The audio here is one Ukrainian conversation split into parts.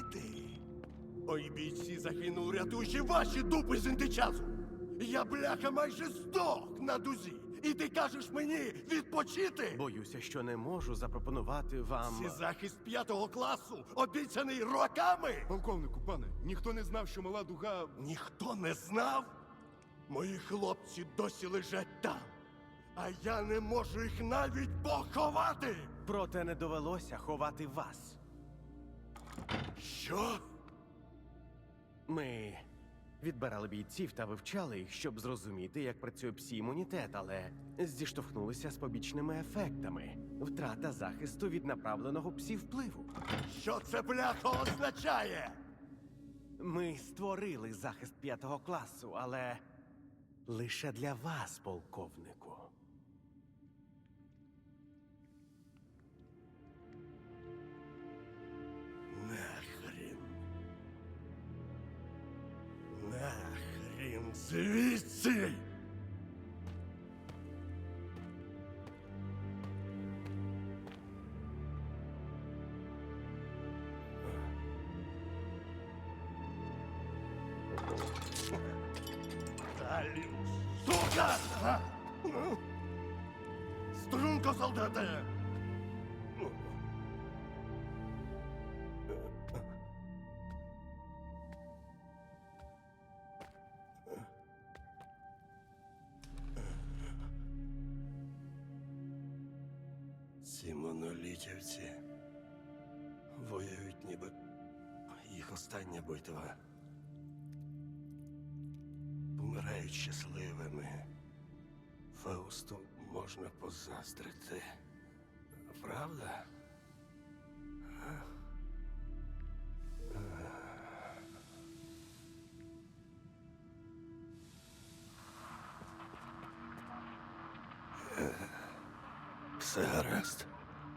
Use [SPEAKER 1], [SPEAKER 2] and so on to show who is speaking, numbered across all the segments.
[SPEAKER 1] ти? Ой, бійці загинув, рятуючи ваші дупи з індичазу. Я, бляха, майже здох на дузі. І ти кажеш мені відпочити?
[SPEAKER 2] Боюся, що не можу запропонувати вам...
[SPEAKER 1] Це захист 5-го класу, обіцяний роками.
[SPEAKER 3] Полковнику, пане, ніхто не знав, що мала дуга...
[SPEAKER 1] Ніхто не знав? Мої хлопці досі лежать там. А я не можу їх навіть поховати.
[SPEAKER 2] Проте не довелося ховати вас.
[SPEAKER 1] Що?
[SPEAKER 2] Ми відбирали бійців та вивчали їх, щоб зрозуміти, як працює псі-імунітет, але зіштовхнулися з побічними ефектами. Втрата захисту від направленого псі-впливу.
[SPEAKER 1] Що це, бляха, означає?
[SPEAKER 2] Ми створили захист 5-го класу, але лише для вас, полковнику.
[SPEAKER 1] Нахрін. Нахрін звідси! Далі, сука! Струнко, солдати! Ці монолітівці воюють, ніби їх остання битва. Помирають щасливими. Фаусту можна позаздрити. Правда? Все гаразд.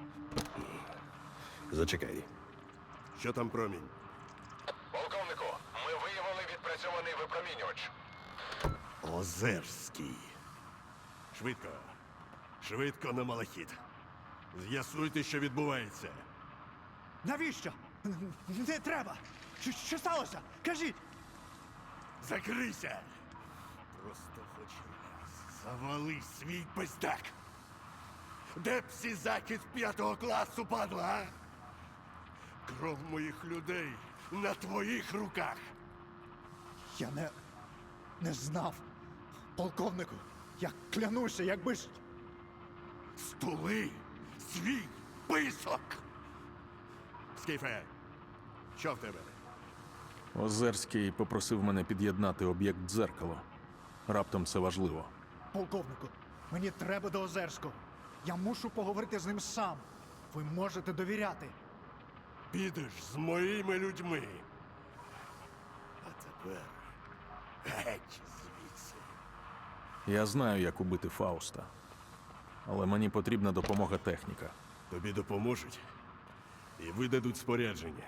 [SPEAKER 1] Зачекай. Що там промінь?
[SPEAKER 4] Полковнику, ми виявили відпрацьований випромінювач.
[SPEAKER 1] Озерський. Швидко. Швидко на малахіт. З'ясуйте, що відбувається.
[SPEAKER 5] Навіщо? Не треба! Що сталося? Кажіть!
[SPEAKER 1] Закрийся! Просто хоч раз завали свій пиздак! Де псі-захист 5-го класу, падла, а? Кров моїх людей на твоїх руках!
[SPEAKER 5] Я не знав. Полковнику, я клянуся, якби ж...
[SPEAKER 1] Стули свій писок! Скіфе, що в тебе?
[SPEAKER 6] Озерський попросив мене під'єднати об'єкт дзеркало. Раптом це важливо.
[SPEAKER 5] Полковнику, мені треба до Озерського. Я мушу поговорити з ним сам. Ви можете довіряти.
[SPEAKER 1] Підеш з моїми людьми. А тепер геть звідси.
[SPEAKER 6] Я знаю, як убити Фауста. Але мені потрібна допомога техніка.
[SPEAKER 1] Тобі допоможуть і видадуть спорядження.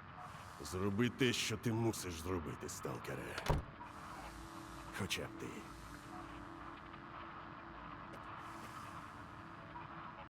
[SPEAKER 1] Зроби те, що ти мусиш зробити, сталкере. Хоча б ти